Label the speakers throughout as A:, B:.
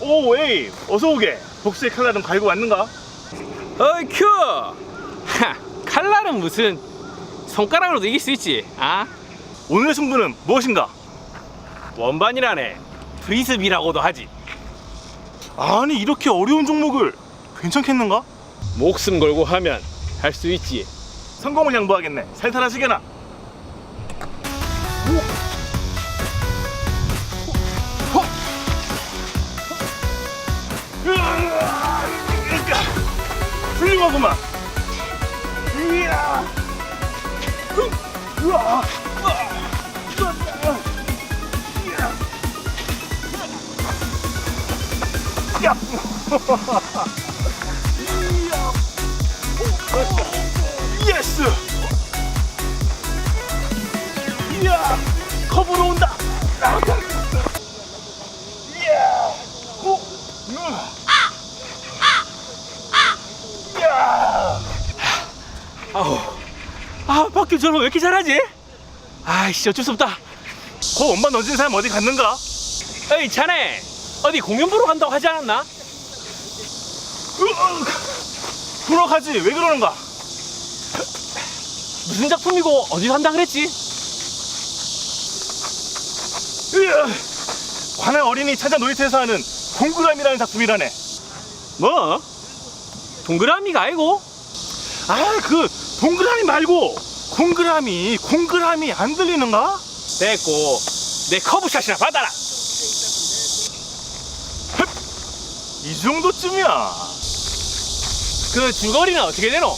A: 오, 에이, 어서 오게. 복수의 칼날은 갈고 왔는가?
B: 어이 큐! 하, 칼날은 무슨 손가락으로도 이길 수 있지. 아?
A: 오늘의 승부는 무엇인가?
B: 원반이라네. 프리스비라고도 하지.
A: 아니, 이렇게 어려운 종목을 괜찮겠는가?
B: 목숨 걸고 하면 할 수 있지.
A: 성공을 양보하겠네. 살살하시게나. 훌륭하구만. 이야. 우와. 야. 예스. 이야. 컵으로 온다. 이야. 오. 이야.
B: 아우, 아 박규 저는 왜 이렇게 잘하지? 아이씨 어쩔 수 없다.
A: 그 원반 던진 사람 어디 갔는가?
B: 어이 자네 어디 공연 보러 간다고 하지 않았나?
A: 불어가지. 왜 그러는가?
B: 무슨 작품이고 어디서 한다 그랬지?
A: 관할 어린이 찾아 놀이터에서 하는 동그라미라는 작품이라네.
B: 뭐? 동그라미가 아니고?
A: 아, 그 동그라미 말고 공그라미 안 들리는가?
B: 됐고 내 커브샷이나 받아라.
A: 이 정도쯤이야.
B: 그 줄거리는 어떻게 되노?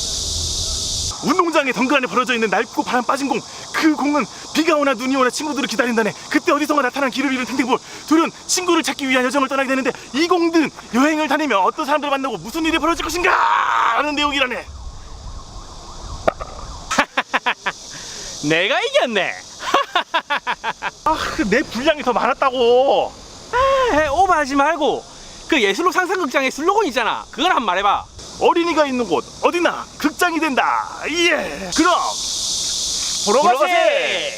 A: 운동장에 덩그러니 벌어져 있는 낡고 바람 빠진 공. 그 공은 비가 오나 눈이 오나 친구들을 기다린다네. 그때 어디선가 나타난 길을 잃은 탱탱볼 둘은 친구를 찾기 위한 여정을 떠나게 되는데, 이 공들은 여행을 다니며 어떤 사람들을 만나고 무슨 일이 벌어질 것인가 하는 내용이라네.
B: 내가 이겼네.
A: 아, 내 분량이 더 많았다고.
B: 아, 오버하지 말고 그 예술로 상상극장의 슬로건 있잖아. 그걸 한번 말해봐.
A: 어린이가 있는 곳 어디나 극장이 된다. 예. 그럼 보러 가세.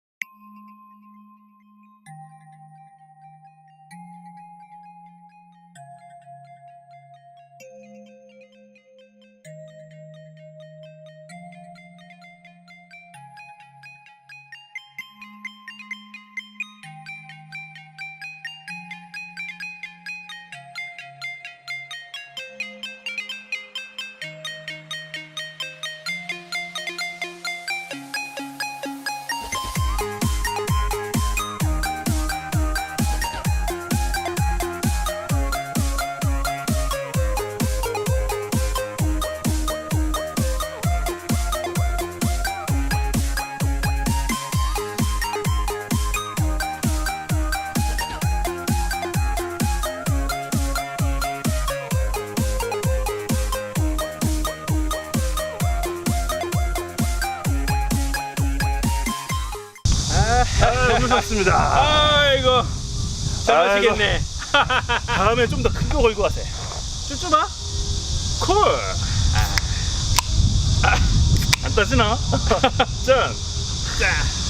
A: 너무 좋습니다.
B: 아이고 잘 마시겠네.
A: 다음에 좀 더 큰 거 걸고 가세.
B: 쭈쭈바?
A: 콜. 안 따지나? 짠.
B: 자.